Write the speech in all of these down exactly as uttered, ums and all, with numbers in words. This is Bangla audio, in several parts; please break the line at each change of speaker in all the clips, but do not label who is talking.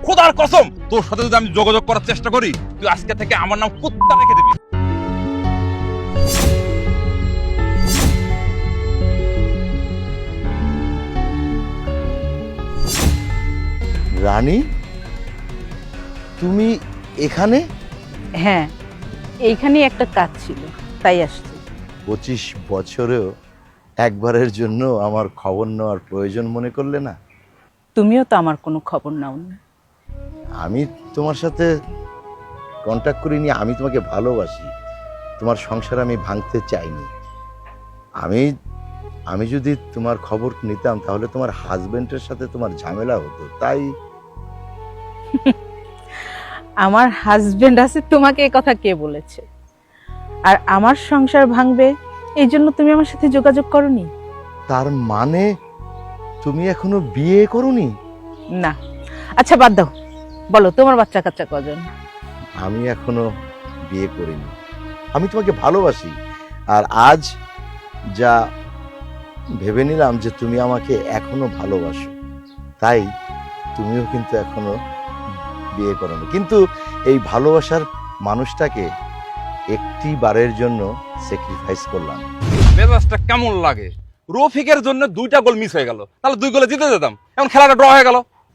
খোদার কসম তোর সাথে যদি আমি যোগাযোগ করার চেষ্টা করি তুই আজকে থেকে আমার নাম কুত্তা রেখে দিবি।
রানী, তুমি এখানে?
হ্যাঁ, এইখানেই একটা কাজ ছিল, তাই আসছি।
পঁচিশ বছরেও একবারের জন্য আমার খবর নেওয়ার প্রয়োজন মনে করলে না?
তুমিও তো আমার কোনো খবর নাও না।
আমি তোমার সাথে কন্ট্যাক্ট করিনি, আমি তোমাকে ভালোবাসি, তোমার সংসার আমি ভাঙতে চাইনি। আমি আমি যদি তোমার খবর নিতাম তাহলে তোমার হাজবেন্ডের সাথে তোমার ঝামেলা হতো, তাই।
আমার হাজবেন্ড আছে, তোমাকে এই কথা কে বলেছে? আর আমার সংসার ভাঙবে এই জন্য তুমি আমার সাথে যোগাযোগ করনি?
তার মানে তুমি এখনো বিয়ে করোনি?
না। আচ্ছা বাদ দাও, বলো তোমার বাচ্চা কাচ্চা কজন?
আমি এখনো বিয়ে করিনি। আমি তোমাকে ভালোবাসি, আর আজ যা ভেবে নিলাম যে তুমি আমাকে এখনো ভালোবাসো, তাই তুমিও কিন্তু এখনো বিয়ে করোনি। কিন্তু এই ভালোবাসার মানুষটাকে একটি বারের জন্য স্যাক্রিফাইস করলাম।
মেজাজটা কেমন লাগে? রফিকের জন্য দুইটা গোল মিস হয়ে গেল, তাহলে দুই গোলে জিতে যেতাম, এখন খেলাটা ড্র হয়ে গেল।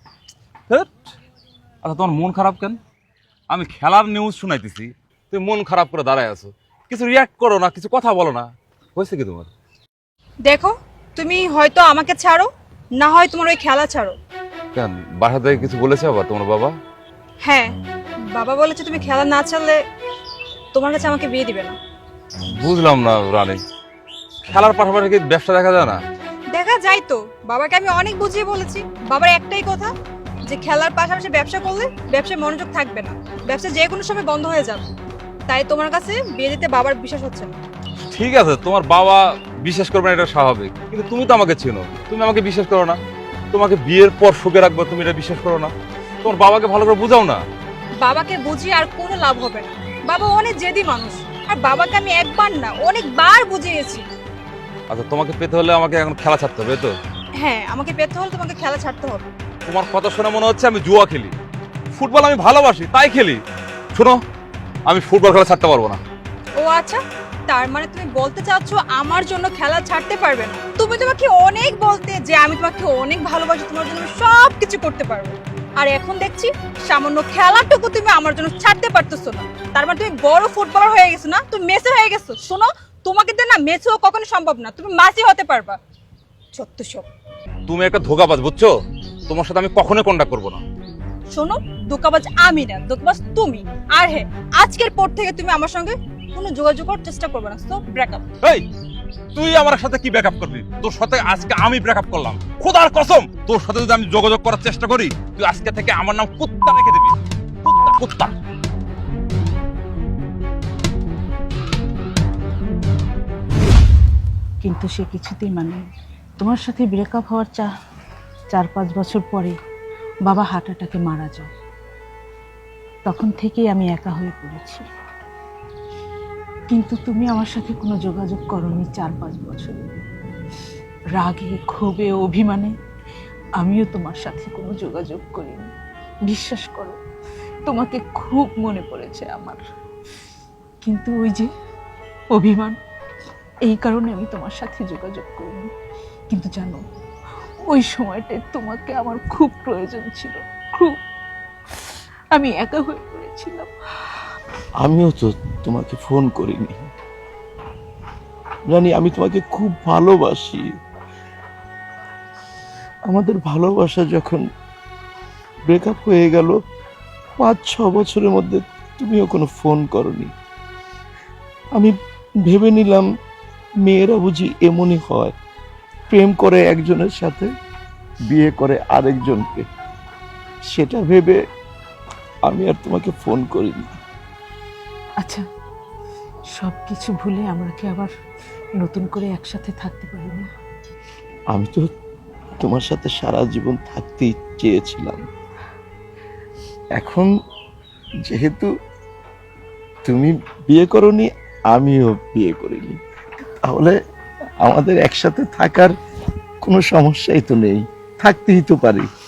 আচ্ছা তোমার মন খারাপ কেন? আমি খেলার নিউজ শুনাইতেছি, তুমি মন খারাপ করে দাঁড়ায় আছো, কিছু রিয়াক্ট করো না, কিছু কথা বলো না, হয়েছে কি তোমার?
দেখো, তুমি হয়তো আমাকে ছাড়ো, না হয় তোমার ওই খেলা ছাড়ো।
কেন, বাসা থেকে কিছু বলেছে আবার তোমার বাবা?
হ্যাঁ, বাবা বলেছে তুমি খেলা না ছাড়লে তোমার কাছে আমাকে বিয়ে দিবে না।
বুঝলাম না রানী, খেলার পাশাপাশি কি ব্যবসা দেখা যায় না?
দেখা যায় তো, বাবাকে আমি অনেক বুঝিয়ে বলেছি, বাবার একটাই কথা যে খেলার পাশাপাশি ব্যবসা করলে ব্যবসায় মনোযোগ থাকবে না, ব্যবসা যে কোনো সময় বন্ধ হয়ে যাবে। তাই তোমার কাছে বিয়ে দিতে বাবার বিশ্বাস হচ্ছে না।
ঠিক আছে, তোমার বাবা বিশ্বাস করবে না, এটা স্বাভাবিক, কিন্তু তুমি তো আমাকে চেনো, তুমি আমাকে বিশ্বাস করো না। তোমাকে বিয়ের পর সুখে রাখবো, তুমি এটা বিশ্বাস করো না? তোমার বাবাকে ভালো করে বুঝাও না।
বাবাকে বুঝিয়ে আর কোনো লাভ হবে না, বাবা অনেক জেদি মানুষ, আর বাবাকে আমি একবার না অনেকবার বুঝিয়েছি।
আচ্ছা তোমাকে পেতে হলে আমাকে এখন খেলা ছাড়তে হবে তো?
হ্যাঁ, আমাকে পেতে হলে তোমাকে খেলা ছাড়তে হবে।
তোমার কথা শুনে মনে হচ্ছে আমি জুয়া খেলি। ফুটবল আমি ভালোবাসি তাই খেলি। শোনো, আমি ফুটবল খেলা ছাড়তে পারবো না।
ও আচ্ছা, তার মানে তুমি বলতে চাচ্ছ আমার জন্য খেলা ছাড়তে পারবে না? তুমি তোমাকে অনেক বলতে যে আমি তোমাকে অনেক ভালোবাসি, তোমার জন্য সব কিছু করতে পারবো, আর এখন দেখছি সামান্য খেলাটুকু তুমি আমার জন্য ছাড়তে পারতেছো না। তার মানে তুমি বড় ফুটবলার হয়ে গেছো না, তুমি মেসি হয়ে গেছো। শোনো, তোমাকে দিয়ে না মেসি হওয়া কখনো সম্ভব না, তুমি মাসি হতে পারবা। সত্য সব।
তুমি একটা ধোকাবাজ, বুঝছো? তোমার সাথে আমি কখনোই কন্ট্যাক্ট করবো না।
শোনো, ধোকাবাজ আমি না, ধোকাবাজ তুমি। আর হ্যাঁ, আজকের পর থেকে তুমি আমার সঙ্গে কোনো যোগাযোগ করার চেষ্টা করবে না। So breakup.
এই, তুই আমার সাথে কি ব্রেকআপ করবি? তোর সাথে আজকে আমি ব্রেকআপ করলাম, খোদার কসম তোর সাথে যদি আমি যোগাযোগ করার চেষ্টা করি তুই আজকে থেকে আমার নাম কুত্তা রেখে দিবি। কুত্তা কুত্তা।
কিন্তু সে কিছুতেই মানে তোমার সাথে ব্রেকআপ হওয়ার চা চার পাঁচ বছর পরে বাবা হার্ট অ্যাটাকে মারা যায়। তখন থেকেই আমি একা হয়ে পড়েছি। কিন্তু তুমি আমার সাথে কোনো যোগাযোগ করোনি চার পাঁচ বছর। রাগে, ক্ষোভে, অভিমানে আমিও তোমার সাথে কোনো যোগাযোগ করিনি। বিশ্বাস করো, তোমাকে খুব মনে পড়েছে আমার, কিন্তু ওই যে অভিমান, এই কারণে আমি তোমার সাথে যোগাযোগ করিনি। কিন্তু জানো, ওই সময়টায় তোমাকে আমার খুব প্রয়োজন ছিল, খুব। আমি একা হয়ে পড়েছিলাম।
আমিও তো তোমাকে ফোন করিনি রানী, আমি তোমাকে খুব ভালোবাসি। আমাদের ভালোবাসা যখন ব্রেকআপ হয়ে গেল, পাঁচ ছ বছরের মধ্যে তুমিও কোনো ফোন করনি। আমি ভেবে নিলাম মেয়েরা বুঝি এমনই হয়, প্রেম করে একজনের সাথে, বিয়ে করে আরেকজনকে। সেটা ভেবে আমি আর তোমাকে ফোন করিনি।
আচ্ছা, সব কিছু ভুলে আমরা কি আবার নতুন করে একসাথে থাকতে পারি না?
আমি তো তোমার সাথে সারা জীবন থাকতেই চেয়েছিলাম। এখন যেহেতু তুমি বিয়ে করনি, আমিও বিয়ে করিনি, তাহলে আমাদের একসাথে থাকার কোনো সমস্যাই তো নেই, থাকতেই তো পারি।